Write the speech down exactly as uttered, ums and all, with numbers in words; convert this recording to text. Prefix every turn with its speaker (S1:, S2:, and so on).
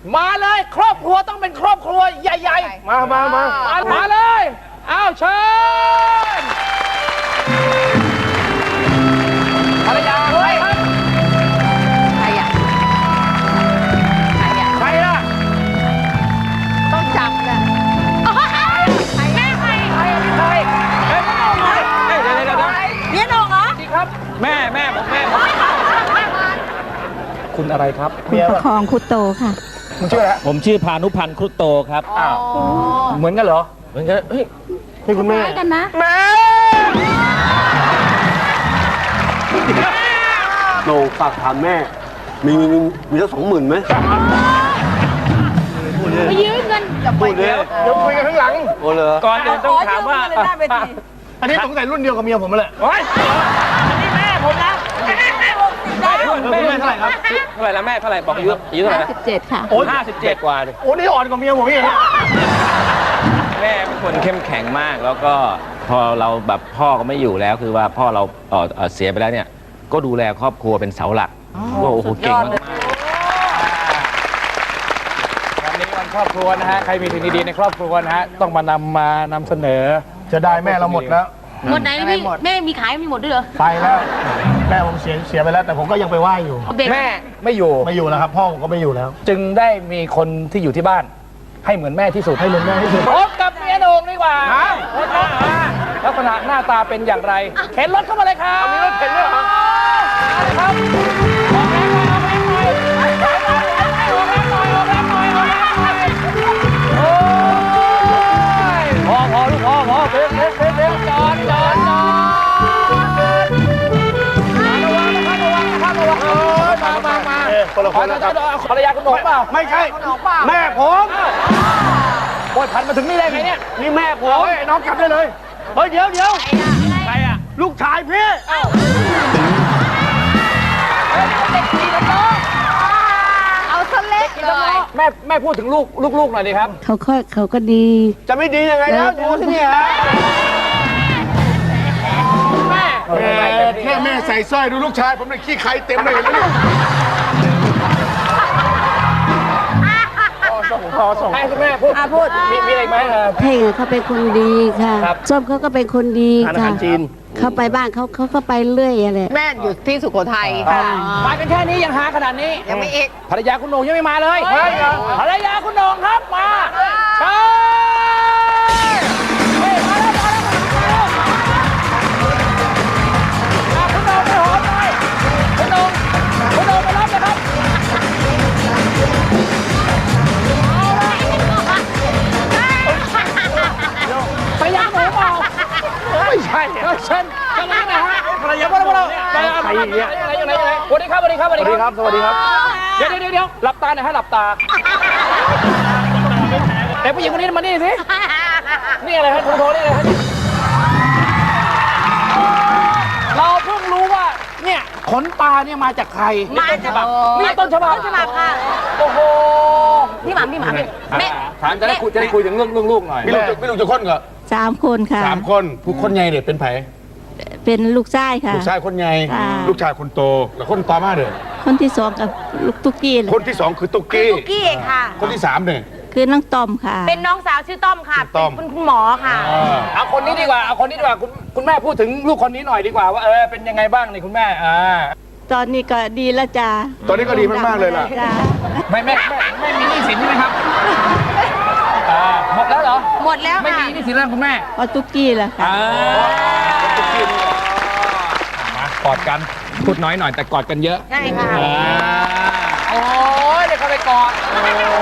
S1: มาเลยครอบครัวต้องเป็นครอบครัวใหญ่ๆมามามามามาเลยอ้าวเชิญภรรยาใครครับใครอ่ะใครอ่ะใครล่ะต้องจับเลยแม่ใครใครใครเฮ้ยเดี๋ยวเดี๋ยวเดี๋ยวเนี่ยน้องเหรอดีครับแม่แม่ผมแม่คุณอะไรครับ
S2: คุณประคองคุโตค่ะ
S1: คุณชื่ออะไร
S3: ผมชื่อพานุพันธ์ครุฑโตครับ
S1: อ้าวเหมือนกันเหรอเหมือนกันเฮ้ยนี่คุณแม่
S2: กันนะ
S1: แม่
S4: โหน่งฝากถามแม่มีมีมีมีสักสองหมื่นไหม
S2: ไปยืมเงินจะไป
S4: เดี๋ยว
S1: เดี๋ยวคุยกันข้างหลัง
S4: โอ้เลย
S3: ก่อนอื่นต้องถามว่า
S1: อันนี้สงสัยรุ่นเดียวกับเมียผมมาเลยโอ้ยอันนี้แม่ผมนะแม่แม่เท่าไหร่ครับ
S3: เท่าไหร่แล้วแม่เท่าไหร่บอกอายุอายุเท่าไหร่นะ
S2: สิบเจ็ดค่ะ
S3: โอ้ห้าสิบเจ็ดกว่าเลย
S1: โอ้นี่อ่อนกว่าเมียผมอีก
S3: แม่เป็นคนเข้มแข็งมากแล้วก็พอเราแบบพ่อก็ไม่อยู่แล้วคือว่าพ่อเราเออเสียไปแล้วเนี่ยก็ดูแลครอบครัวเป็นเสาหลักว่าโอ้โหเก่งมาก
S1: วันนี้วันครอบครัวนะฮะใครมีสิ่งดีๆในครอบครัวนะฮะต้องมานำมานำเสนอจะได้แม่เราหมดแล้ว
S2: หมดไหนพี่แม่มีขายมีหมดด้วยเหรอ
S1: ไปแล้วแม่ผมเสียเสียไปแล้วแต่ผมก็ยังไปไหว้อยู่แม่ไม่อยู่ไม่อยู่แล้วครับพ่อผมก็ไม่อยู่แล้วจึงได้มีคนที่อยู่ที่บ้านให้เหมือนแม่ที่สุดให้เหมือนแม่ที่สุดพบกับเมียโหน่งดีกว่าลักษณะหน้าตาเป็นอย่างไรเข็นรถเข้ามาเลยครับมีรถเข็นด้วยเหรอครับออกแรงหน่อยออกแรงหน่อยออกแรงหน่อยออกแรงหน่อยออกแรงหน่อยออกแรงหน่อยโอ้ยพอพอลูกพอพอเร็วเร็วเร็วเร็วจอดจอดจอดระวังนะครับระวังนะครับระวังเออมามามาคนละคนนะครับภรรยาคุณโหน่งเปล่าไม่ใช่แม่ผมโอ้ยพันมาถึงนี่ได้ไงเนี่ยนี่แม่ผมน้องกลับได้เลยเฮ้ยเดี๋ยวเดี๋ยวใครอะลูกชายพี่
S2: เอาซะเล็กเลย
S1: แม่แม่พูดถึงลูกลูกๆหน่อยดิครับ
S2: เขาก็เขาก็ดี
S1: จะไม่ดียังไงแล้วดูที่นี่ฮะแม่แค่แม่ใส่สร้อยดูลูกชายผมเลยขี้ใครเต็มเลยเห็นไหมพอส่งให้คุณแม่พูดพูดมีมีอะไรไหมครับ
S2: เพ่งเขาเป็นคนดีค่ะส้มเขาก็เป็นคนดีค่ะเขาไปบ้านเขาเขาก็ไปเรื่อยอะไร
S5: แม่อยู่ที่สุโขทัย
S1: มากันแค่นี้ยังหาขนาดนี้
S5: ยังไม่อีก
S1: ภรรยาคุณโหน่งยังไม่มาเลยภรรยาคุณโหน่งครับมาเชิญมาแล้วมาแล้วคุณโหน่งไปหอมหน่อยคุณโหน่งคุณโหน่งไปรับเลยครับภรรยาหนูเปล่าไม่ใช่เชิญเชิญนะฮะภรรยาพวกเราพวกเราใครเนี่ยอะไรอะไรอะไรสวัสดีครับสวัสดีครับสวัสดีครับสวัสดีครับเดี๋ยวเดี๋ยวเดี๋ยวหลับตาหน่อยฮะหลับตาแต่ผู้หญิงคนนี้มานี่สินี่อะไรฮะโทรโทรนี่อะไรฮะเราเพิ่งรู้ว่าเนี่ยขนตาเนี่ยมาจากใคร
S5: มาจาก
S1: นี่ต้นฉบับ
S5: ต้นฉบับค่ะ
S1: โอ้โห
S5: พี่หมาพี่หมาแม่
S1: ถามจะได้คุยจะได้คุยถึงเรื่องเรื่องลูกหน่อยพี่ลูกพี่ลูกจะคนเหรอ
S2: สามคนค่ะ
S1: สามคนผู้คนใหญ่เนี่ยเป็นไผ
S2: เป็นลูกชายค่ะ
S1: ลูกชายคนใหญ่ลูกชายคนโตแล้วคนต่อมาเด้อ
S2: คนที่สองกับลูกตุ๊กกี้
S1: คนที่สองคือตุ๊กกี้
S5: ตุ๊กกี้ค่ะ
S1: คนที่สามเนี่ย
S2: คือน้องต้อมค่ะ
S5: เป็นน้องสาวชื่อต้อมค่ะเป็นคุณหมอค่ะ
S1: เอาคนนี้ดีกว่าเอาคนนี้ดีกว่าคุณคุณแม่พูดถึงลูกคนนี้หน่อยดีกว่าว่าเออเป็นยังไงบ้างนี่คุณแม่อ่า
S2: ตอนนี้ก็ดีแล้วจ้า
S1: ตอนนี้ก็ดีมากๆเลยล่ะไม่แม่ไม่มีหนี้สินใช่ไหมครับหมดแล้วเหรอ
S5: หมดแล้ว
S1: ไม่มีหนี้สินแล้วคุณแม่
S2: เอาตุ๊กกี้แล้วค่ะ
S1: มากอดกันพูดน้อยหน่อยแต่กอดกันเยอะ
S5: ใช่ค่ะ
S1: โอ้ยเดี๋ยวเขาไปกอด